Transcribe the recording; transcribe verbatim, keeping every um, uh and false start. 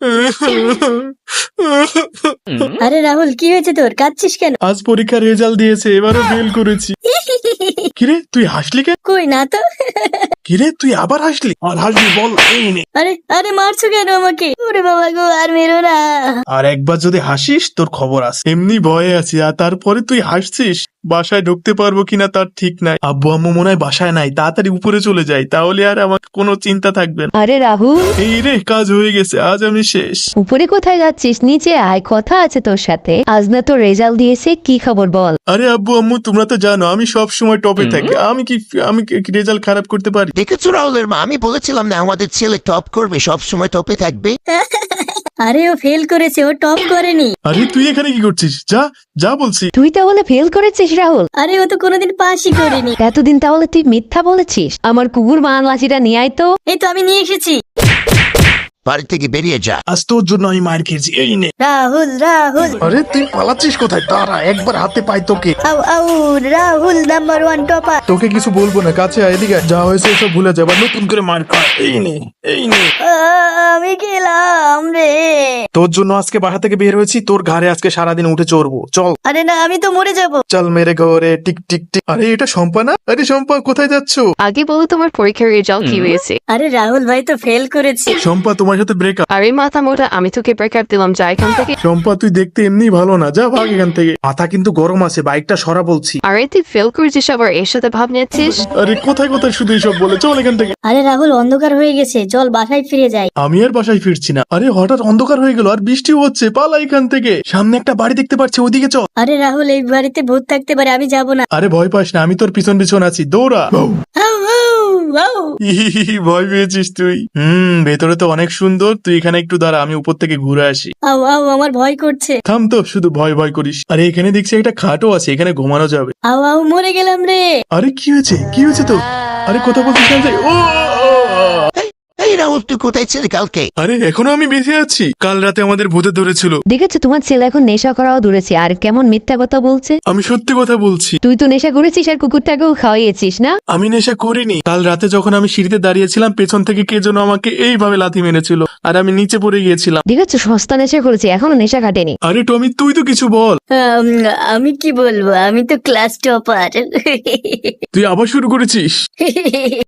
আরে রাহুল, কি হয়েছে তোর? কাঁদছিস কেন? আজ পরীক্ষার রেজাল্ট দিয়েছে, এবারও ফেল করেছি। কিরে তুই হাসলি কেন? কই না তো। কিরে তুই আবার হাসলি? আর হাসবি বল, এই নে। আরে আরে মারছো কেন আমাকে? ওরে বাবা গো, আর মেরো না। আর একবার যদি হাসিস তোর খবর আছে। এমনি ভয়ে আছি, আর তারপরে তুই হাসছিস। বাসায় ঢুকতে পারবো কিনা তার ঠিক নাই। আব্বু আম্মু মনে হয় বাসায় নাই, তাড়াতাড়ি উপরে চলে যাই, তাহলে আর আমার কোনো চিন্তা থাকবে না। আরে রাহুল, এই রে, কাজ হয়ে গেছে, আজ আমি শেষ। উপরে কোথায় যাচ্ছিস? নিচে আয়, কথা আছে তোর সাথে। আজ না তোর রেজাল্ট দিয়েছে, কি খবর বল। আরে আব্বু আম্মু তোমরা তো জানো আমি সব সময় টপে থাকি, আমি কি আমি রেজাল্ট খারাপ করতে পারি? দেখেছো রাহুলের মা, আমি বলেছিলাম না আমাদের ছেলে টপ করবে, সব সময় টপে থাকবে। আরে ও ফেল করেছে, ও টপ করেনি। আরে তুই এখানে কি করছিস? যা যা বলছি। তুই তাহলে ফেল করেছিস রাহুল? আরে ও তো কোনোদিন পাসই করেনি। এতদিন তাহলে তুই মিথ্যা বলেছিস। আমার কুকুর মান লাঠিটা নিয়ে আয় তো। এই তো আমি নিয়ে এসেছি। বাড়ি থেকে বেরিয়ে যা। আজ তোর জন্য আমি মার খেয়েছি, এই নে। রাহুল রাহুল আরে তুই পালাচ্ছিস কোথায়? তারা একবার হাতে পাই তোকে। আউ আউ, রাহুল নাম্বার ওয়ান টপার। তোকে কিছু বলবো না, কাছে আয়, এদিকে আয়। যা হয়েছে সব ভুলে যাবার, নতুন করে মার খা। এই নে এই নে। আমি গেলাম রে। তোর জন্য আজকে বাসা থেকে বের হয়েছি, তোর ঘাড়ে আজকে সারাদিন উঠে চড়বো। চল আরে না, আমি তো মরে যাব। চল মেরে ঘরে টিক টিক টিক। আরে এটা শম্পা না? আরে শম্পা কোথায় যাচ্ছ? আগে বলো তোমার পরীক্ষার রেজাল্ট কি হয়েছে? আরে রাহুল ভাই তো ফেল করেছে। শম্পা তোমার সাথে ব্রেকআপ। আরে মাথা মোটা, আমি তোকে ব্রেকআপ দিলাম, যা এখান থেকে। শম্পা তুই দেখতে এমনি ভালো না, যা ভাগ এখান থেকে। মাথা কিন্তু গরম আছে, বাইকটা সরা বলছি। আরে তুই ফেল করেছিস আবার এর সাথে ভাব নিচ্ছিস? আরে কোথায় কোথায় শুধু এইসব বলে, চল এখান থেকে। আরে রাহুল, অন্ধকার হয়ে গেছে, চল বাসায় ফিরে যাই। আমি আর বাসায় ফিরছি না। আরে হঠাৎ অন্ধকার হয়ে গেল, আর বৃষ্টিও হচ্ছে, পালা এখান থেকে। সামনে একটা বাড়ি দেখতে পাচ্ছি, ওদিকে চল। আরে রাহুল, এই বাড়িতে ভূত থাকতে পারে, আমি যাব না। আরে ভয় পাস না, আমি তোর পিছন পিছন আছি, দৌড়া। আউ, আউ, আউ। ইহিহি, ভয় পেয়েছিস তুই? হুম, ভেতরে তো অনেক সুন্দর, তুই এখানে একটু দাঁড়া, আমি উপর থেকে ঘুরে আসি। আউ আউ, আমার ভয় করছে। থাম তো, শুধু ভয় ভয় করিস। আরে এখানে দেখছি একটা খাটও আছে, এখানে ঘুমানো যাবে। আউ আউ, মরে গেলাম রে। আরে কি হয়েছে কি হয়েছে তো? আরে কথা বলছিস না যে? ও এই রাহুল, তুই কোথায় ছিলি কালকে? আরে এখনো আমি বেঁচে আছি। কাল রাতে আমাদের ভূতে ধরেছিল। দেখেছো তোমার ছেলে এখন নেশা করাও দূরেছে, আর কেমন মিথ্যা কথা বলছে। আমি সত্যি কথা বলছি। তুই তো নেশা করেছিস আর কুকুরটাকেও খাওয়াইয়েছিস না? আমি নেশা করিনি। কাল রাতে যখন আমি সিঁড়িতে দাঁড়িয়েছিলাম, পেছন থেকে কে যেন আমাকে এইভাবে লাথি মেরেছিল, আর আমি নিচে পড়ে গিয়েছিলাম। দেখেছো, সস্তা নেশা করেছে, এখনো নেশা কাটেনি। আরে টমি, তুই তো কিছু বল। আম, আমি কি বলবো, আমি তো ক্লাস টপার। তুই আবার শুরু করেছিস?